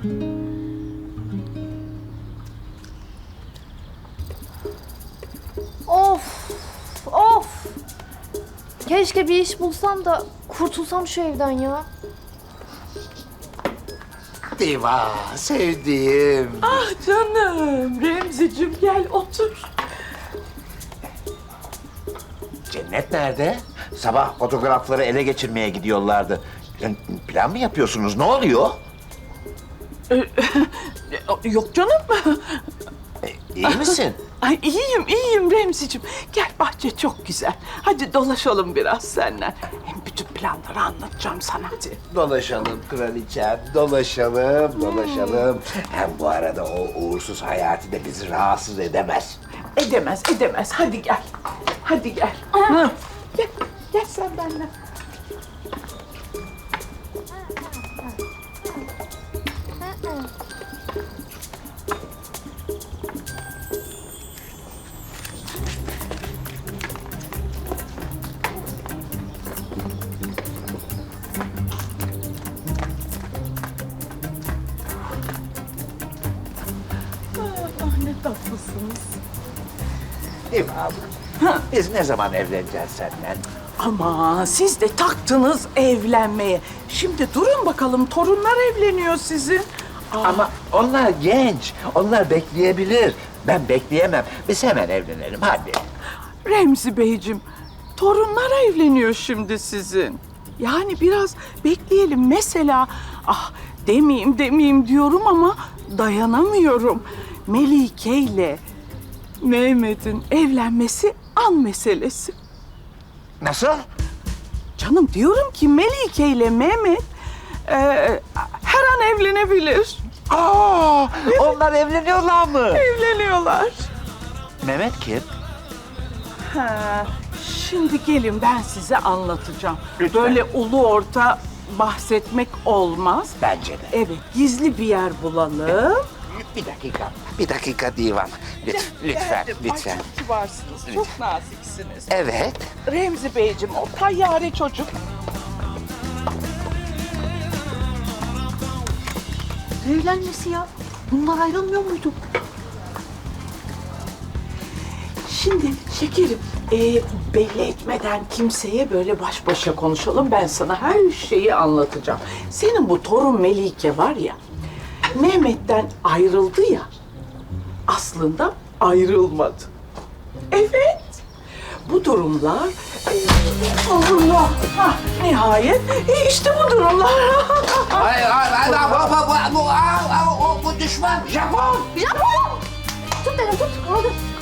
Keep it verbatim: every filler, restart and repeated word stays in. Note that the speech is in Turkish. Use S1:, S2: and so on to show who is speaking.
S1: Of, of. Keşke bir iş bulsam da kurtulsam şu evden ya.
S2: Diva, sevdiğim.
S3: Ah canım, Remziciğim gel otur.
S2: Cennet nerede? Sabah fotoğrafları ele geçirmeye gidiyorlardı. Sen plan mı yapıyorsunuz? Ne oluyor?
S3: Yok canım.
S2: E, iyi misin?
S3: Ay iyiyim, iyiyim Remziciğim. Gel bahçe çok güzel. Hadi dolaşalım biraz seninle. Hem bütün planları anlatacağım sana hadi.
S2: Dolaşalım kraliçem, dolaşalım, dolaşalım. Hem bu arada o uğursuz Hayati de bizi rahatsız edemez.
S3: Edemez, edemez. Hadi gel. Hadi gel. Hı. Gel, gel sen benimle. Ah, ne tatlısınız.
S2: Diva abla, biz ne zaman evleneceğiz seninle?
S3: Ama siz de taktınız evlenmeye. Şimdi durun bakalım, torunlar evleniyor sizin.
S2: Ama onlar genç, onlar bekleyebilir. Ben bekleyemem. Biz hemen evlenelim, hadi.
S3: Remzi Beyciğim, torunlar evleniyor şimdi sizin. Yani biraz bekleyelim. Mesela, ah demeyeyim demeyeyim diyorum ama dayanamıyorum. Melike ile Mehmet'in evlenmesi an meselesi.
S2: Nasıl?
S3: Canım diyorum ki Melike ile Mehmet e, her an evlenebilir.
S2: Aa, onlar evleniyorlar mı?
S3: Evleniyorlar.
S2: Mehmet kim?
S3: Ha, şimdi gelin ben size anlatacağım.
S2: Lütfen.
S3: Böyle ulu orta bahsetmek olmaz.
S2: Bence de.
S3: Evet, gizli bir yer bulalım.
S2: Bir dakika, bir dakika divan. Lütfen, lütfen,
S3: Geldim.
S2: lütfen.
S3: Ay, çok kibarsınız, çok naziksiniz.
S2: Evet.
S3: Remzi Beyciğim, o tayyare çocuk.
S1: Evlenmesi ya. Bunlar ayrılmıyor muydu?
S3: Şimdi şekerim, e, belli etmeden kimseye böyle baş başa konuşalım. Ben sana her şeyi anlatacağım. Senin bu torun Melike var ya, Mehmet'ten ayrıldı ya, aslında ayrılmadı. Evet, bu durumlar... E, Allah, hah, nihayet e, işte bu durumlar.
S2: Hayır, hayır, hayır, bu, bu, bu, bu, bu, bu düşman, Japon.
S1: Japon! Tut beni tut. Kaldır.